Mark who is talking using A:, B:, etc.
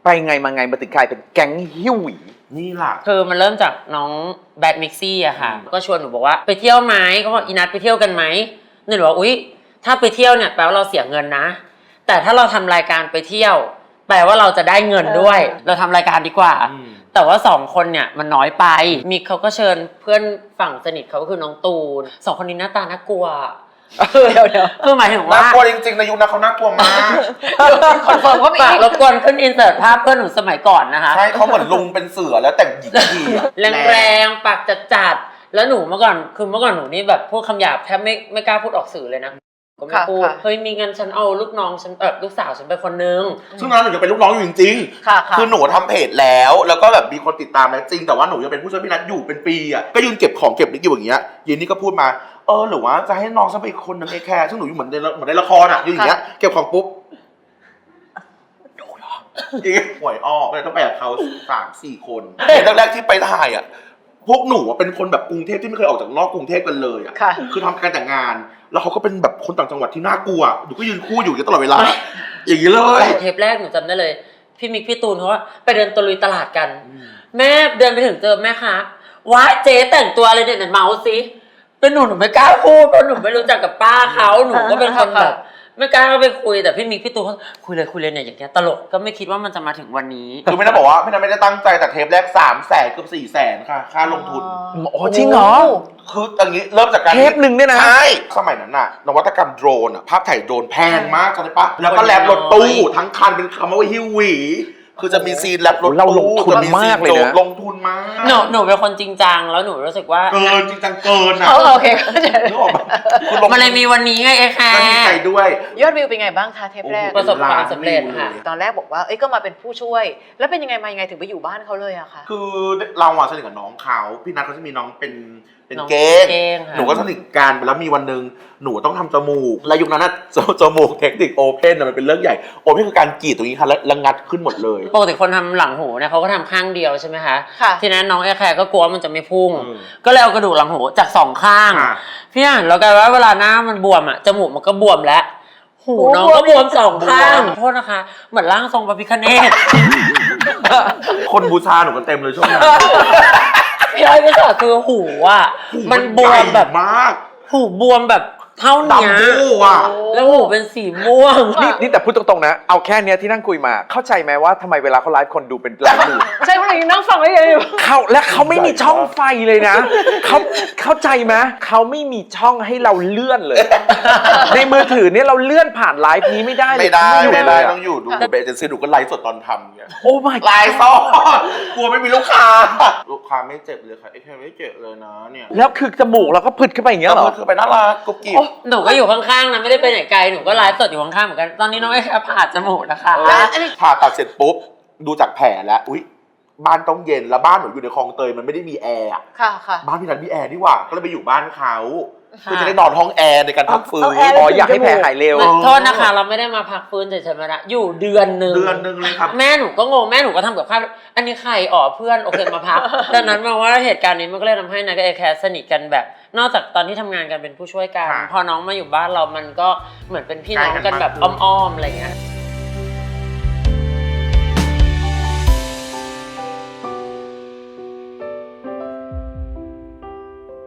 A: ไปไงมาไงมาถึงกลายเป็นแก๊งหิ้วหวี
B: นี่ล่ะ
C: คือมันเริ่มจากน้องแบดมิกซี่อะค่ะก็ชวนหนูบอกว่าไปเที่ยวไหมเขาบอกอีนัทไปเที่ยวกันไหมหนูบอกว่าอุ๊ยถ้าไปเที่ยวเนี่ยแปลว่าเราเสียเงินนะแต่ถ้าเราทำรายการไปเที่ยวแปลว่าเราจะได้เงินด้วยเราทำรายการดีกว่าแต่ว่า2คนเนี่ยมันน้อยไปมิกเขาก็เชิญเพื่อนฝั่งสนิทเขาก็คือน้องตูน2คนนี้หน้าตาน่ากลัวเดี๋ยวคือหมายถึงว่า
B: น่ากลัวจริงๆในยุคนั้นเขาน่ากลัวมาก
D: คอนเฟิร์มว่ามี
C: รบกวนขึ้นอินเสิร์ตภาพเพื่อนหนูสมัยก่อนนะคะ
B: ใช่เขาเหมือนลุงเป็นเสือแล้วแต่งหญิงดี
C: แรงๆปากจัดๆแล้วหนูเมื่อก่อนหนูนี่แบบพูดคำหยาบแทบไม่กล้าพูดออกสื่อเลยนะก็ไม่พูดเฮ้ยมีเงินฉันเอาลูกน้องฉันลูกสาวฉันไปคนนึง
B: ซึ่งตอนนั้นหนูจะเป็นลูกน้องอยู่จริงๆคือหนูทำเพจแล้วก็แบบมีคนติดตามแล้วจริงแต่ว่าหนูยังเป็นผู้ช่วยพี่นัทอยู่เป็นปีอ่ะก็ยืนเก็บของเก็บนิกอยู่อย่างเงี้ยยีนนี่ก็พูดมาหรือว่าจะให้น้องฉันไปอีกคนนึงแค่ซึ่งหนูอยู่เหมือนในละครอ่ะอยู่อย่างเงี้ยเก็บของปุ๊บดูเหรออีกหวยออกเลยต้องไปกับเขา3-4 คนแรกๆที่ไปถ่ายอ่ะพวกหนูเป็นคนแบบกรุงเทพที่ไม่เคยออกจากนอกกรุงเทพกันเลยอ่ะคือทำการแต่งงานแล้วเขาก็เป็นแบบคนต่างจังหวัดที่น่ากลัวหนูก็ยืนคู่อยู่ตลอดเวลาอย่างนี้เลย
C: เทปแรกหนูจำได้เลยพี่มิกพี่ตูนเขาว่าไปเดินตะลุยตลาดกันแม่เดินไปถึงเจอแม่ค้าว้าเจ๊แต่งตัวอะไรเนี่ยเมาส์สิเป็นหนูไม่กล้าพูดเพราะหนูไม่รู้จักกับป้าเขาหนูก็เป็นคนแบบไม่กล้าไปคุยแต่พี่มิกพี่ตูนเขาคุยเลยเนี่ยอย่างเงี้ยตลกก็ไม่คิดว่ามันจะมาถึงวันนี้
B: คือไม่ได้บอกว่าไม่ได้ตั้งใจแต่เทปแรก300,000เกือบ400,000ค่ะค่าลงทุน
A: โอ้จริงเหรอ
B: คืออย่างนี้เริ่มจากการ
A: เทปหนึ่งเนี่ยนะ
B: ใช่สมัยนั้นน่ะนวัตกรรมโดรนอ่ะภาพถ่ายโดรนแพงมากใช่ปะแล้วก็แลบรถตู้ทั้งคันเป็นคำว่าฮิวหวีคือจะมีซีนแลบรถตู้
A: เราลงทุนมากเลยนะ
B: ลงทุนมาก
C: หนูเป็นคนจริงจังแล้วหนูรู้สึกว่า
B: เกินจริงจังเกินอ่ะ
D: โอเค
C: มันเลยมีวันนี้ไงค่ะ
B: ก็ดีใจด้วย
D: ยอดวิวเป็นไงบ้างคะเทปแรก
C: ประสบความสำเร็จค่ะ
D: ตอนแรกบอกว่าก็มาเป็นผู้ช่วยแล้วเป็นยังไงมายังไงถึงไปอยู่บ้านเขาเลยอะคะ
B: คือเราสนิทกับน้องเขาพี่นัทเขาจะมีน้องเป็นเก้งหนูก็สนิทกันแล้วมีวันหนึ่งหนูต้องทำจมูกและยุคนั้นน่ะจมูกเทคนิคโอเพนมันเป็นเรื่องใหญ่โอเพนคือการกรีดตรงนี้ค่ะแล้วงัดขึ้นหมดเลย
C: ปกติคนทำหลังหูเนี่ยเขาก็ทำข้างเดียวใช่ไหมคะทีนั้นน้องแอร์แคร์ก็กลัวมันจะไม่พุ่งก็เลยเอากระดูกหลังหูจาก2 ข้างพี่อ่านแล้วกันว่าเวลาหน้ามันบวมอ่ะจมูกมันก็บวมแล้วหูน้องก็บวม2 ข้างโทษนะคะเหมือนร่างทรงพระพิฆเนศ
B: คนบูชาหนูกันเต็มเลยช่วงนั้น
C: พี่อ้อยก็สอดคือหูอ่ะมันบวมแบบ
B: มาก
C: หูบวมแบบเท่านี้แล้วหูเป็นสีม่วง
A: นี่แต่พูดตรงๆนะเอาแค่เนี้ยที่นั่งคุยมาเข้าใจไหมว่าทำไมเวลาเขาไลฟ์คนดูเป็นล้านดู
D: ใช่เพราะอย่างนี้นั่งฟังได้ยัง
A: และเขาไม่มีช่องไฟเลยนะเขาเข้าใจไหมเขาไม่มีช่องให้เราเลื่อนเลยในมือถือเนี่ยเราเลื่อนผ่านไลฟ์นี้ไม่ได้
B: ไม่ได้ต้องอยู่ดูเบเจนซี่ดูก็ไลฟ์สดตอนทำเนี่ย
A: โอ้ my
B: ไลฟ์สดกลัวไม่มีลูกค้าไม่เจ็บเลยค่ะไอ้แค่ไม่เจ็บเลยนะเนี่ย
A: แล้วคือจมูกเราก็ผึดขึ้นไปอย่างเงี้ยเหรอ
B: คือไปน่ารักกุ๊กกิ๊บ
C: หนูก็อยู่ข้างๆนะไม่ได้ไปไหนไกลหนูก็ไลฟ์สดอยู่ข้างๆเหมือนกันตอนนี้น้องไอ้ผ่าจมูกนะคะ
B: ผ่าตัดเสร็จปุ๊บดูจากแผลแล้วอุ๊ยบ้านต้องเย็นแล้วบ้านหนูอยู่ในคลองเตยมันไม่ได้มีแอร์
D: ค่ะ
B: บ้านพี่นัทมีแอร์ดีกว่าก็เลยไปอยู่บ้านเขาคือจะได้นอนห้องแอร์ในการพักฟื้น
A: อยากให้แผลหายเร็ว
C: โทษนะคะเราไม่ได้มาพักฟื้นเฉยๆมาละอยู่เดือนนึง
B: เลยครับ
C: แม่หนูก็งงแม่หนูก็ทำกับข้าวอันนี้ใครเพื่อนโอเคมาพักดังนั้นมาว่าเหตุการณ์นี้มันก็เลยทำให้นักแอร์แคร์สนิทกันแบบนอกจากตอนที่ทำงานกันเป็นผู้ช่วยกันพอน้องมาอยู่บ้านเรามันก็เหมือนเป็นพี่น้องกันแบบอ้อมๆอะไรเงี้ย